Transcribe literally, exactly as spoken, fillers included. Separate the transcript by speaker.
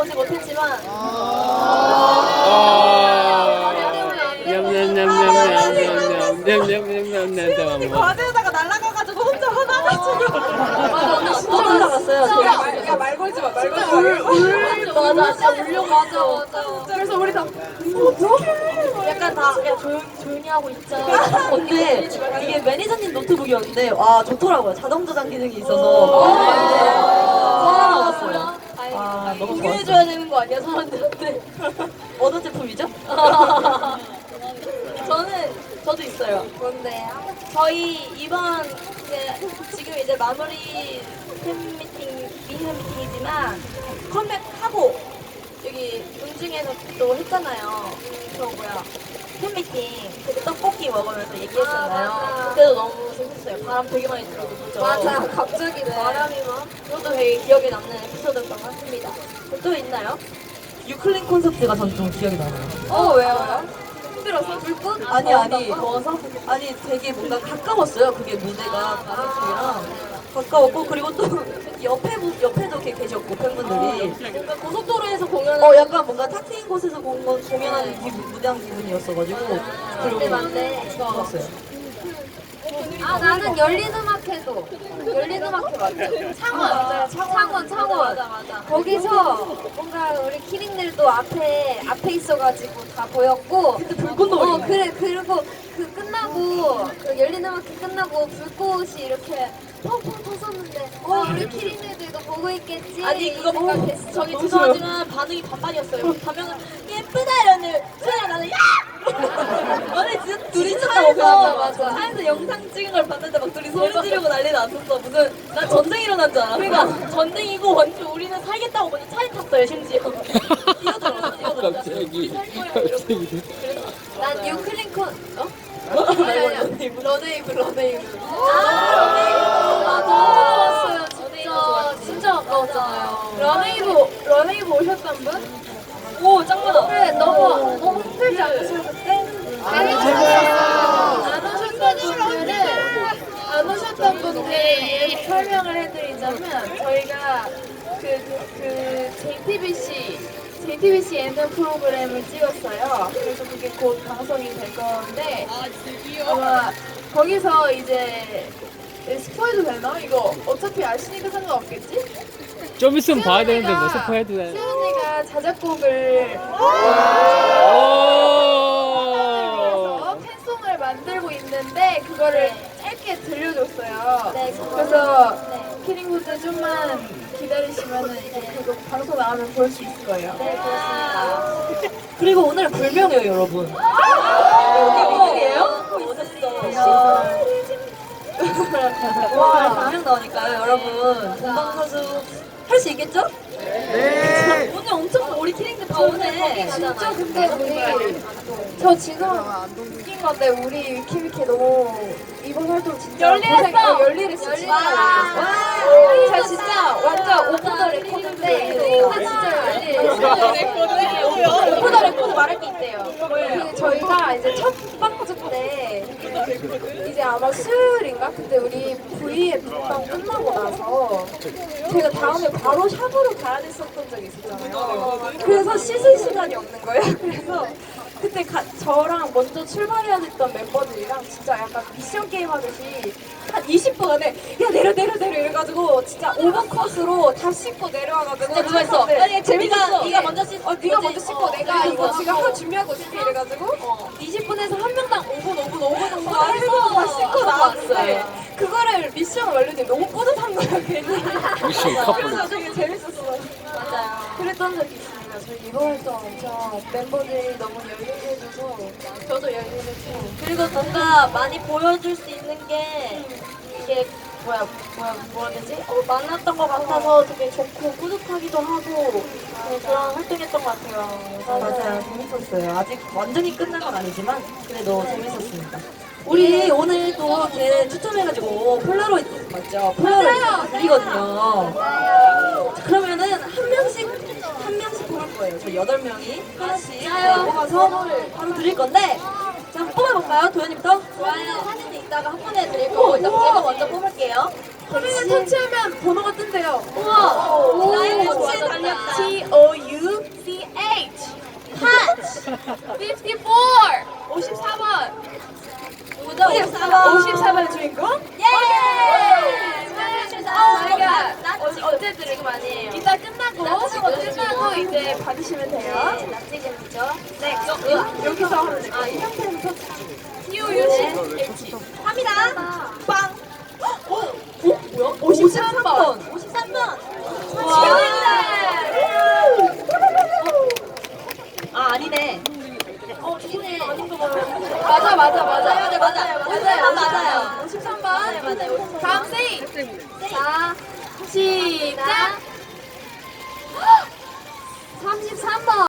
Speaker 1: 보지 못했지만
Speaker 2: 과제에다가 날아가가지고 혼자 화나가지고
Speaker 1: 맞아 언니 진짜 올라갔어요.
Speaker 2: 야말 걸지 마, 말 걸지 마.
Speaker 1: 울 맞아 진짜 울려 맞아 맞아.
Speaker 2: 그래서 우리 다
Speaker 1: 약간 다 야 조용 조용히 하고 있자. 근데 이게 매니저님 노트북이었는데 와 좋더라고요. 자동 저장 기능이 있어서 살아남았어요. 아 너무 공유해줘야 되는 거 아니야 사람들한테? 어떤 제품이죠? 저는 저도 있어요. 뭔데요? 저희 이번 이제 지금 이제 마무리 팬미팅 미니팬 미팅이지만 컴백하고 여기 운중에서 또 했잖아요. 저 뭐야 팬미팅 그때 떡볶이 먹으면서 얘기했잖아요. 아, 그때도 너무 재밌었어요. 바람 되게 많이 들어도 그죠? 맞아 갑자기 네. 바람이 막 그것도 되게 기억에 남는 에피소드였던 것 같습니다. 또 있나요? 유클린 콘서트가 전 좀 기억이 나요. 어 왜요? 힘들어서? 불꽃? 아니 아니 더워서? 아니 되게 뭔가 가까웠어요. 그게 무대가 가족들이랑 가까웠고 그리고 또 옆에 분- 옆에도 이렇게 계셨고 팬분들이 뭔가 고속도로에서 공연을 어 약간 뭔가 탁 트인 곳에서 공연, 공연하는 기분, 무대한 기분이었어가지고 그리고 맞네 좋았어요.
Speaker 3: 아 나는 열린음악회도 열린음악회 맞죠? 창원 맞아요 창원 창원 맞아 맞아 거기서 뭔가 우리 키링들도 앞에 앞에 있어가지고 다 보였고
Speaker 1: 그때 불꽃놀이
Speaker 3: 어 그래 그리고 그 끝나고 그 열린음악회 끝나고 불꽃이 이렇게 펑펑 터졌는데 어 우리 키링들도 이거 보고 있겠지
Speaker 1: 아니 그거 보고
Speaker 3: 생각했어.
Speaker 1: 저기 죄송하지만 반응이 반반이었어요. 가면은 예쁘다 이러는 소리가 나는 야! 아니 진짜 둘이 차에서
Speaker 3: 맞아, 맞아.
Speaker 1: 차에서 영상 찍은 걸 봤는데 막 둘이 소리 지르고 난리 났었어. 무슨 난 전쟁 일어난 줄 알아. 그러니까 전쟁이고 완전 우리는 살겠다고 먼저 차에 탔어요 심지어. 뛰어들어 뛰어들어.
Speaker 4: 갑자기
Speaker 1: 갑자기.
Speaker 3: 난 유클린콘 어?
Speaker 1: 러네이브 러네이브 러네이브.
Speaker 3: 아 너무 좋았어요 진짜 진짜 아까웠잖아요.
Speaker 2: 러네이브 러네이브 오셨던 분?
Speaker 1: 오 짱많아.
Speaker 3: 그래 너무 너무 힘들지 않으세요 그때?
Speaker 2: 안 오셨던 분들은 안 오셨던 분들 위해서 설명을 해드리자면 저희가 그, 그 제이티비씨 제이티비씨 예능 프로그램을 찍었어요. 그래서 그게 곧 방송이 될 건데 아마 거기서 이제 스포해도 되나? 이거 어차피 아시니까 상관없겠지?
Speaker 4: 좀 있으면 봐야 되는데 뭐 스포해도 돼.
Speaker 2: 수연이가 자작곡을
Speaker 4: 오!
Speaker 2: 팬송을 만들고 있는데 그거를 짧게 들려줬어요.
Speaker 1: 네,
Speaker 2: 그래서
Speaker 1: 네.
Speaker 2: 키링분들 좀만 기다리시면은 이제 그거 방송 나오면 볼 수 있을 거예요.
Speaker 1: 네 그렇습니다. 그리고 오늘 불명이에요 여러분. 여기 미국이에요? 오셨어. 와 불명 나오니까요 여러분. 본방사수 할 수 있겠죠? 네. 오늘 엄청 우리 키링들 다 오네.
Speaker 2: 진짜 근데 우리 저 지금 웃긴 건데 우리 위키위키 너무 이번 활동 진짜
Speaker 1: 열일했어.
Speaker 2: 고생- 어, 열일했어 진짜 열일했어. 자 진짜 완전 오프 더 레코드인데 이거 진짜 열일했어. 오프 더 레코드 말할 게 있대요. 그 저희가 이제 첫 방송 때 이제 아마 수요일인가? 근데 우리 브이앱 방 끝나고 나서 제가 다음에 바로 샵으로 가야 됐었던 적이 있었잖아요. 그래서 씻을 시간이 없는 거예요. 그래서 그때 가, 저랑 먼저 출발해야 됐던 멤버들이랑 진짜 약간 미션 게임 하듯이 한 이십 분 안에 야 내려 내려 내려 이래가지고 진짜 오버컷으로 다 씻고 내려와가지고
Speaker 1: 진짜 그거 했어.
Speaker 2: 네,
Speaker 1: 아니,
Speaker 2: 재밌었어.
Speaker 1: 네가- 네가 먼저 씻-
Speaker 2: 어 네가
Speaker 1: 뭐지?
Speaker 2: 먼저 씻고
Speaker 1: 어,
Speaker 2: 내가
Speaker 1: 그래서
Speaker 2: 이거
Speaker 1: 뭐
Speaker 2: 지금
Speaker 1: 하고.
Speaker 2: 하고 준비하고 있을게 이래가지고
Speaker 1: 어.
Speaker 2: 이십 분에서 한 명당 오 분 오 분 오 분 정도
Speaker 1: 어,
Speaker 2: 해서 다 씻고
Speaker 1: 해서
Speaker 2: 나왔는데
Speaker 1: 나왔어요.
Speaker 2: 그거를 미션 완료돼 너무 뿌듯한 거야 괜히.
Speaker 4: 미션 커플.
Speaker 2: 그래서 되게 재밌었어.
Speaker 1: 맞아요.
Speaker 2: 그랬던 적이 있습니다. 저희 이번 활동 엄청 멤버들이 너무 열일해줘서 저도 열일했고
Speaker 1: 그리고 뭔가 많이 보여줄 수 있는 게 이게 뭐야 뭐야 뭐라 해야 되지? 어, 많았던 것 같아서 되게 좋고 뿌듯하기도 하고 네, 그런 활동했던 것 같아요. 맞아요. 재밌었어요. 아직 완전히 끝난 건 아니지만 그래도 재밌었습니다. 우리 오늘 또 이렇게 추첨해가지고 폴라로이드 맞죠? 폴라로이드 드리거든요. 그러면은 한 명씩 한 명씩 뽑을 거예요. 저희 여덟 명이 하나씩 네, 뽑아서 바로 드릴 건데 자 한번 뽑아볼까요? 도현이부터? 좋아요. 사진은 이따가 한 번에 드릴 거고 일단 제가 먼저 뽑을게요.
Speaker 2: 스크린을 터치하면 번호가 뜬대요.
Speaker 1: 우와. 나의 터치에 달렸다.
Speaker 2: T O U C H. touch. 오십사. 오십사 번.
Speaker 1: 누구죠? 오십사 번.
Speaker 2: 오십사 번의 주인공?
Speaker 1: 예! 축하드립니다.
Speaker 2: 저희가
Speaker 1: 나
Speaker 2: 어,
Speaker 1: 지금
Speaker 2: 어제
Speaker 1: 드리고 아니에요.
Speaker 2: 이따 끝나고
Speaker 1: 나 지금
Speaker 2: 끝나고 이제 받으시면 돼요.
Speaker 1: 네, 납치금이죠. 네,
Speaker 2: 여, 여기서 하면 돼요.
Speaker 1: 아, 이 형태부터
Speaker 2: T O U C H.
Speaker 1: 합니다. 빵.
Speaker 2: 어? 어? 뭐야? 오십삼 번.
Speaker 1: 오십삼 번.
Speaker 2: 와.
Speaker 1: 축하드립니다. 아, 아니네. 어, 이네. 아닌 거 봐요.
Speaker 2: 맞아 맞아 맞아.
Speaker 1: 네, 맞아요. 맞아요. 맞아요.
Speaker 2: 오십삼 번.
Speaker 1: 네, 맞아요.
Speaker 2: 다음 세이.
Speaker 3: 자,
Speaker 2: 시작.
Speaker 3: 삼십삼 번.